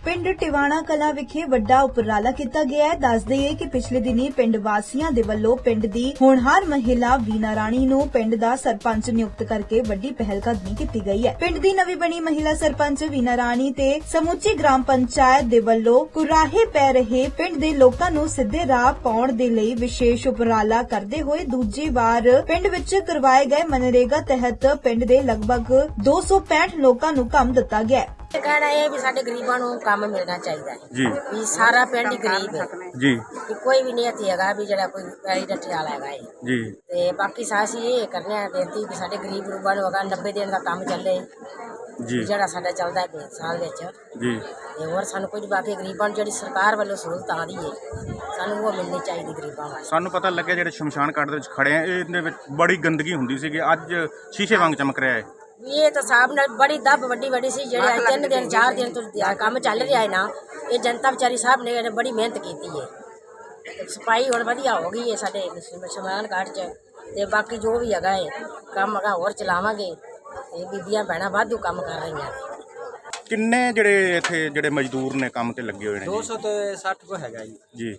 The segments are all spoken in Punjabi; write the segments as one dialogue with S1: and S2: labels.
S1: ਪਿੰਡ ਟਿਵਾਣਾ ਕਲਾਂ ਵਿਖੇ ਵੱਡਾ ਉਪਰਾਲਾ ਕੀਤਾ ਗਿਆ ਹੈ। ਦੱਸ ਦਈਏ ਕਿ ਪਿਛਲੇ ਦਿਨੀ ਪਿੰਡ ਵਾਸੀਆਂ ਦੇ ਵੱਲੋਂ ਪਿੰਡ ਦੀ ਹੋਣਹਾਰ ਮਹਿਲਾ ਵੀਨਾ ਰਾਣੀ ਨੂੰ ਪਿੰਡ ਦਾ ਸਰਪੰਚ ਨਿਯੁਕਤ ਕਰਕੇ ਵੱਡੀ ਪਹਿਲਕਦਮੀ ਕੀਤੀ ਗਈ ਹੈ। ਪਿੰਡ ਦੀ ਨਵੀਂ ਬਣੀ ਮਹਿਲਾ ਸਰਪੰਚ ਵੀਨਾ ਰਾਣੀ ਤੇ ਸਮੁੱਚੀ ਗ੍ਰਾਮ ਪੰਚਾਇਤ ਦੇ ਵੱਲੋਂ ਕੁਰਾਹੇ ਪੈ ਰਹੇ ਪਿੰਡ ਦੇ ਲੋਕਾਂ ਨੂੰ ਸਿੱਧੇ ਰਾਹ ਪਾਉਣ ਦੇ ਲਈ ਵਿਸ਼ੇਸ਼ ਉਪਰਾਲਾ ਕਰਦੇ ਹੋਏ ਦੂਜੀ ਵਾਰ ਪਿੰਡ ਵਿੱਚ ਕਰਵਾਏ ਗਏ ਮਨਰੇਗਾ ਤਹਿਤ ਪਿੰਡ ਦੇ ਲਗਭਗ 265 ਲੋਕਾਂ ਨੂੰ ਕੰਮ ਦਿੱਤਾ ਗਿਆ ਹੈ।
S2: कहना है भी साडे गरीबां नूं काम मिलना चाहिए
S3: जी
S2: भी सारा पिंड ही गरीब है
S3: जी
S2: कि कोई भी नहीं इत्थे हैगा भी जेड़ा कोई पैड़ी डट्टी वाला हैगा है
S3: जी
S2: ते बाकी सास ये करने हैं बेनती भी साडे गरीब गरूबां नूं 90 दिन दा काम चले
S3: जी
S2: जेड़ा साडा चलदा है साल विच
S3: जी
S2: ते होर सानू कुछ बाकी गरीबां नूं जेड़ी सरकार वालों सहूलत आ रही है सानू वो मिलनी चाहिए गरीबां वास्ते।
S3: ਸਾਨੂੰ ਪਤਾ ਲੱਗਿਆ ਜਿਹੜੇ ਸ਼ਮਸ਼ਾਨ ਘਾਟ ਦੇ ਵਿੱਚ ਖੜੇ ਆ ਇਹਦੇ ਵਿੱਚ ਬੜੀ ਗੰਦਗੀ ਹੁੰਦੀ ਸੀਗੀ, ਅੱਜ ਸ਼ੀਸ਼ੇ ਵਾਂਗ ਚਮਕ ਰਿਹਾ ਹੈ।
S2: ये तो साहब ने बड़ी दब वड्डी सी जेड़े 3 दिन 4 दिन तो काम चल रहा है ना, ये जनता बेचारी साहब ने बड़ी मेहनत की है। सफाई हुण वधिया हो गई है साडे शमशान घाट च ते बाकी जो भी हैगा है काम अगा होर चलावांगे ते बीबियां भैणां वाधू काम कर रही हैं।
S3: ਕਿੰਨੇ ਜਿਹੜੇ ਇੱਥੇ ਜਿਹੜੇ ਮਜ਼ਦੂਰ ਨੇ ਕੰਮ ਤੇ ਲੱਗੇ ਹੋਏ ਨੇ?
S4: 260 ਕੋ ਹੈਗਾ
S3: ਜੀ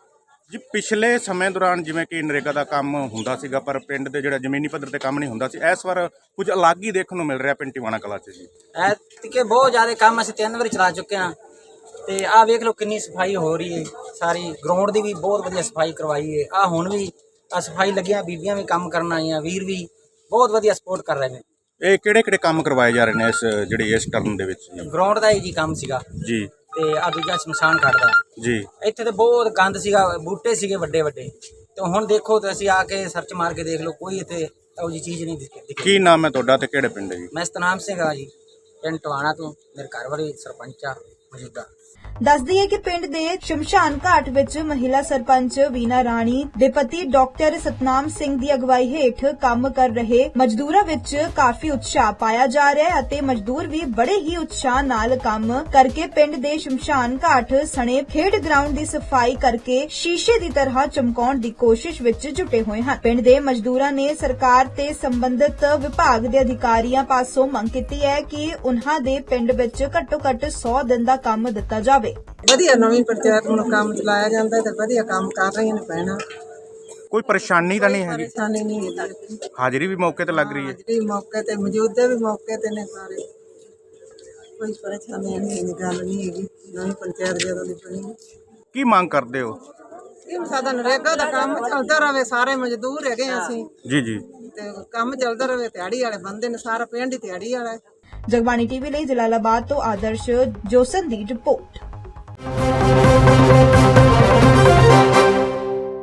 S3: ਜੀ ਪਿਛਲੇ ਸਮੇਂ ਦੌਰਾਨ ਜਿਵੇਂ ਕਿ ਨਰੇਗਾ ਦਾ ਕੰਮ ਹੁੰਦਾ ਸੀਗਾ ਪਰ ਪਿੰਡ ਦੇ ਜਿਹੜਾ ਜ਼ਮੀਨੀ ਪੱਧਰ ਤੇ ਕੰਮ ਨਹੀਂ ਹੁੰਦਾ ਸੀ, ਇਸ ਵਾਰ ਕੁਝ ਅਲੱਗ ਹੀ ਦੇਖਣ ਨੂੰ ਮਿਲ ਰਿਹਾ ਪਿੰਡ ਟਿਵਾਣਾ ਕਲਾਂ 'ਚ ਜੀ।
S4: ਐਤਕੇ ਬਹੁਤ ਜ਼ਿਆਦਾ ਕੰਮ ਅਸੀਂ 3 ਵਾਰੀ ਚਲਾ ਚੁੱਕੇ ਹਾਂ ਤੇ ਆਹ ਵੇਖ ਲਓ ਕਿੰਨੀ ਸਫਾਈ ਹੋ ਰਹੀ ਹੈ। ਸਾਰੀ ਗਰਾਊਂਡ ਦੀ ਵੀ ਬਹੁਤ ਵਧੀਆ ਸਫਾਈ ਕਰਵਾਈ ਹੈ। ਆ ਹੁਣ ਵੀ ਆ ਸਫਾਈ ਲੱਗੀਆਂ, ਬੀਬੀਆਂ ਵੀ ਕੰਮ ਕਰਨ ਆਈਆਂ, ਵੀਰ ਵੀ ਬਹੁਤ ਵਧੀਆ ਸਪੋਰਟ ਕਰ ਰਹੇ ਨੇ।
S3: ਇਹ ਕਿਹੜੇ ਕਿਹੜੇ ਕੰਮ ਕਰਵਾਏ ਜਾ ਰਹੇ ਨੇ ਇਸ ਟਰਮ ਦੇ ਵਿੱਚ ਜੀ?
S4: ਗਰਾਊਂਡ ਦਾ ਹੀ ਜੀ ਕੰਮ ਸੀਗਾ
S3: ਜੀ
S4: ਤੇ ਆ ਦੂਜਾ ਸ਼ਮਸ਼ਾਨ ਘਾਟ ਦਾ
S3: ਜੀ।
S4: ਇੱਥੇ ਤੇ ਬਹੁਤ ਗੰਦ ਸੀਗਾ, ਬੂਟੇ ਸੀਗੇ ਵੱਡੇ ਵੱਡੇ, ਤੇ ਹੁਣ ਦੇਖੋ ਤੇ ਅਸੀਂ ਆ ਕੇ ਸਰਚ ਮਾਰ ਕੇ ਦੇਖ ਲਓ ਕੋਈ ਇੱਥੇ ਇਹੋ ਜਿਹੀ ਚੀਜ਼ ਨਹੀਂ ਦਿਖੀ।
S3: ਕੀ ਨਾਮ ਹੈ ਤੁਹਾਡਾ ਤੇ ਕਿਹੜੇ ਪਿੰਡ ਹੈ ਜੀ?
S4: ਮੈਂ ਸਤਨਾਮ ਸਿੰਘ ਆ ਜੀ, ਪਿੰਡ ਟਵਾਣਾ ਤੋਂ, ਮੇਰੇ ਘਰ ਵਾਲੀ ਸਰਪੰਚ ਆ ਮੌਜੂਦਾ।
S1: ਦੱਸ ਦਈਏ ਕਿ ਪਿੰਡ ਦੇ ਸ਼ਮਸ਼ਾਨ ਘਾਟ ਵਿੱਚ ਮਹਿਲਾ ਸਰਪੰਚ ਵੀਨਾ ਰਾਣੀ ਦੇ ਪਤੀ ਡਾਕਟਰ ਸਤਨਾਮ ਸਿੰਘ ਦੀ ਅਗਵਾਈ ਹੇਠ ਕੰਮ ਕਰ ਰਹੇ ਮਜ਼ਦੂਰਾਂ ਵਿੱਚ ਕਾਫੀ ਉਤਸ਼ਾਹ ਪਾਇਆ ਜਾ ਰਿਹਾ ਹੈ ਅਤੇ ਮਜ਼ਦੂਰ ਵੀ ਬੜੇ ਹੀ ਉਤਸ਼ਾਹ ਨਾਲ ਕੰਮ ਕਰਕੇ ਪਿੰਡ ਦੇ ਸ਼ਮਸ਼ਾਨ ਘਾਟ ਸਣੇ ਖੇਡ ਗਰਾਊਂਡ ਦੀ ਸਫਾਈ ਕਰਕੇ ਸ਼ੀਸ਼ੇ ਦੀ ਤਰ੍ਹਾਂ ਚਮਕਾਉਣ ਦੀ ਕੋਸ਼ਿਸ਼ ਵਿੱਚ ਜੁਟੇ ਹੋਏ ਹਨ। ਪਿੰਡ ਦੇ ਮਜ਼ਦੂਰਾਂ ਨੇ ਸਰਕਾਰ ਤੇ ਸੰਬੰਧਿਤ ਵਿਭਾਗ ਦੇ ਅਧਿਕਾਰੀਆਂ ਪਾਸੋਂ ਮੰਗ ਕੀਤੀ ਹੈ ਕਿ ਉਨ੍ਹਾਂ ਦੇ ਪਿੰਡ ਵਿੱਚ ਘੱਟੋ-ਘੱਟ 100 ਦਿਨ ਦਾ ਕੰਮ ਦਿੱਤਾ ਜਾਵੇ।
S5: ਵਧੀਆ ਨਵੀਂ ਪੰਚਾਇਤ ਨੂੰ ਕੰਮ ਚਲਾਇਆ ਜਾਂਦਾ ਤੇ ਵਧੀਆ ਕੰਮ ਕਰ ਰਹੀਆਂ ਨੇ ਭੈਣਾਂ।
S3: ਕੋਈ ਪਰੇਸ਼ਾਨੀ ਤਾਂ ਨਹੀਂ ਹੈਗੀ?
S5: ਪਰੇਸ਼ਾਨੀ ਨਹੀਂ ਹੈ।
S3: ਹਾਜ਼ਰੀ ਵੀ ਮੌਕੇ ਤੇ ਲੱਗ ਰਹੀ ਹੈ?
S5: ਹਾਜ਼ਰੀ ਮੌਕੇ ਤੇ, ਮੌਜੂਦੇ ਵੀ ਮੌਕੇ ਤੇ ਨੇ ਸਾਰੇ। ਕੋਈ ਪਰੇਸ਼ਾਨੀ ਨਹੀਂ, ਗੱਲ ਨਹੀਂ ਹੈਗੀ। ਨਵੀਂ ਪੰਚਾਇਤ ਜਦੋਂ ਦੀ ਬਣੀ।
S3: ਕੀ ਮੰਗ ਕਰਦੇ ਹੋ?
S5: ਇਹ ਸਾਡਾ ਨਰੇਗਾ ਦਾ ਕੰਮ ਚੱਲਦਾ ਰਹੇ, ਸਾਰੇ ਮਜ਼ਦੂਰ ਹੈਗੇ ਅਸੀਂ
S3: ਜੀ ਜੀ
S5: ਤੇ ਕੰਮ ਚੱਲਦਾ ਰਹੇ। ਦਿਹਾੜੀ ਵਾਲੇ ਬੰਦੇ ਨੇ, ਸਾਰਾ ਪਿੰਡ ਹੀ ਦਿਹਾੜੀ ਵਾਲਾ ਹੈ।
S1: ਜਗਬਾਣੀ ਟੀਵੀ ਲਈ ਜਲਾਲਾਬਾਦ ਤੋਂ ਆਦਰਸ਼ ਜੋਸਨ ਦੀ ਰਿਪੋਰਟ।